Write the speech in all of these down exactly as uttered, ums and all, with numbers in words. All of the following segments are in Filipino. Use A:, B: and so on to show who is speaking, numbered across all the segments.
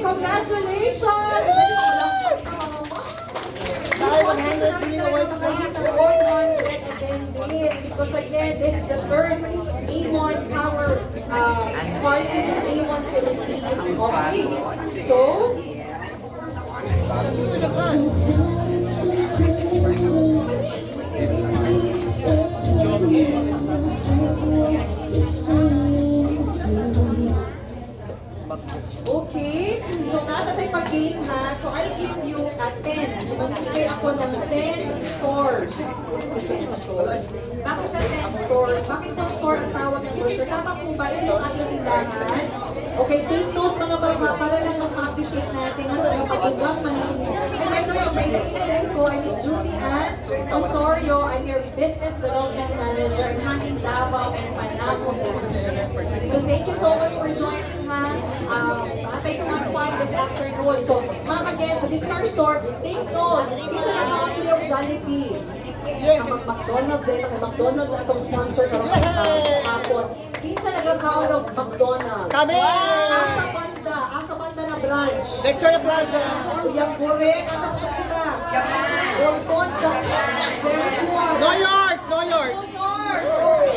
A: Congratulations! one hundred attendees because again, this is the third A one Power uh, Party of A one Philippines. Okay, so okay, so nasa tayo pag-game ha. So I'll give you a ten. So magbibigay ako ng ten scores. ten scores. Bakit sa ten scores? Bakit po score ang tawag ng brochure? Tama po ba? Ito yung ating tindahan. Okay, take note mga baba para lang mas ma-appreciate natin ang pagpapagawang manisinis. And right now, paila-ilan ko ay Miss Judy Ann Osorio. I'm your Business Development Manager. I'm handling Davao and Panagong branches. So thank you so much for joining ha. Um, atay ko ang fun this afternoon. So, ma'am again, so this is our store. Take note, isa na copy of Jollibee. Ang McDonald's, dahil ang McDonald's atong sponsor karong uh, hapon. Kinsa nagkakaon ng McDonald's?
B: Kami!
A: Asa banda, asa banda na branch.
B: Victoria Plaza.
A: Yang correct, asa sa ina? Bolton, Japan. Very good.
B: New York! New York!
A: New York! Okay.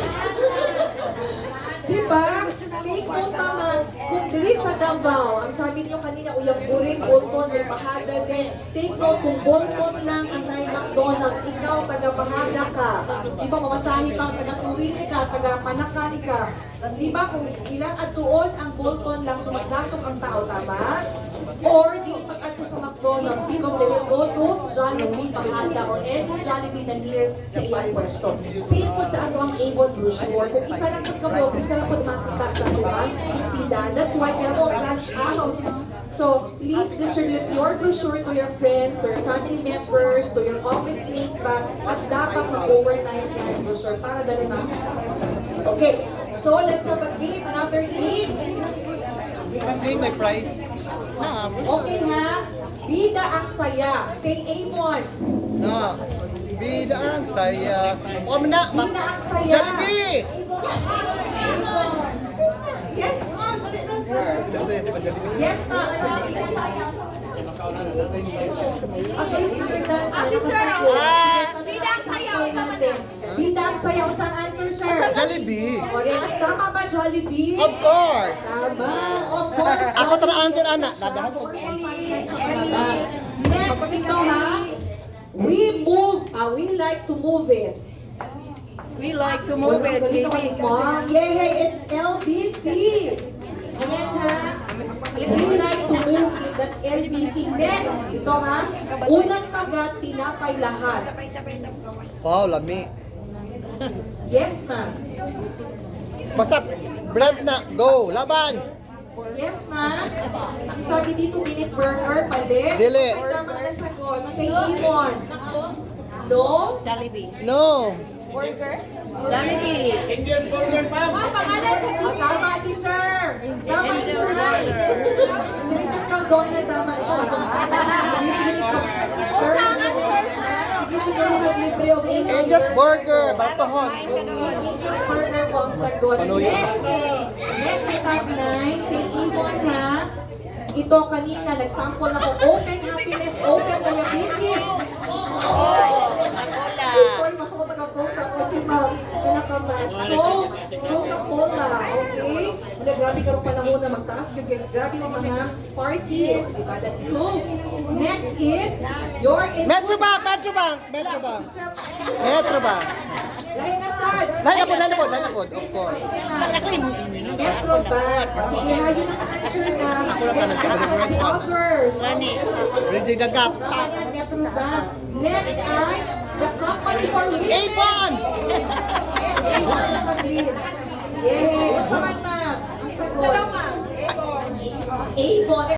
A: Diba? Take note naman, kung dili sa Davao, ang sabi niyo kanina, uyang buring, Bolton, may bahada din. Take note, kung Bolton lang ang may McDonald's, ikaw taga-bahada ka. Diba, mamasahe pang taga-turing ka, taga-panakan ka. Diba, kung ilang atuon ang Bolton lang, sumaglasok ang tao, tama? Or di pag-ato sa McDonald's because they will go to Jollibee, Bahada, or any Jollibee na near sa iyong pwesto. Same po sa ato ang Avon brochure. Kung isa lang po kabog, isa lang po makita sa ato ang tindahan. That's why kaya mo branch out. So, please distribute your brochure to your friends, to your family members, to your office mates ba, at dapat mag-overnight yan brochure para dali makita. Okay, so let's have a game, another game.
B: Ang game may prize. Na,
A: Okay ha? Bida ang saya. Say A one.
B: na. Bida ang saya. O, na.
A: Bida ang saya.
B: Jollibee!
A: Yes, ma'am. Sir. Yes, ma'am. Actually, si Sir Dan.
C: Ah, si Sir.
B: Ah.
C: Bida ang saya. Usama
A: natin. Bida ang saya. Kung saan answer, sir?
B: Jollibee.
A: Correct. Tama ba, Jollibee?
B: Of course!
A: Tama. Of course.
B: Ako tara answer, anak. Dadahan ko.
A: Next, ito ha. We move. Uh, we like to move it.
C: We like to move it.
A: Ganito kami, ma'am. Yay, it's L B C. Ayan ha. We like to move it. That's L B C. Next, ito ha. Unang kagat, tinapay lahat.
B: Wow, lami.
A: Yes, ma'am.
B: Basta, brand na. Go, laban!
A: Yes, ma'am. Ang sabi dito, minute burger, mali.
B: Dili.
A: Ay, tama na sagot. Say Imon. No?
C: Jollibee.
B: No!
C: Burger? Jollibee.
B: Indian burger, ma'am!
C: Ang pangalan sa
A: Ah, tama si Sir. Tama si Sir. Si Mister Caldona, tama siya. Sir, sige, sige, mag-libre o
B: Indian burger, batohon.
A: Angel's Burger po ang sagot.
B: Panuyo.
A: Next, next sa top nine, si Ibon ha. Ito kanina, nag-sample ako. Open happiness, open diabetes. Sorry, mas ako taga-coke sa ako si Ma'am. Pinakamas. Coke, Coca-Cola. Okay? Wala, grabe ka rin panahon na magtaas. Grabe yung mga parties. Diba? That's Coke. Next is your input.
B: Metrobank, Metrobank, Metrobank. Metrobank.
A: Lahi na sad.
B: Lahi na po, lahi na po, lahi na po, of course.
A: Metrobank. Sige ha, yun ang answer na.
B: Ako na tanong ka,
A: Joggers.
B: Ready gagap.
A: Ayan, Metrobank. Next ay the company for which
B: Avon!
A: Avon naka-green. Yay! Ang saman, ma'am. Ang sagot. Avon.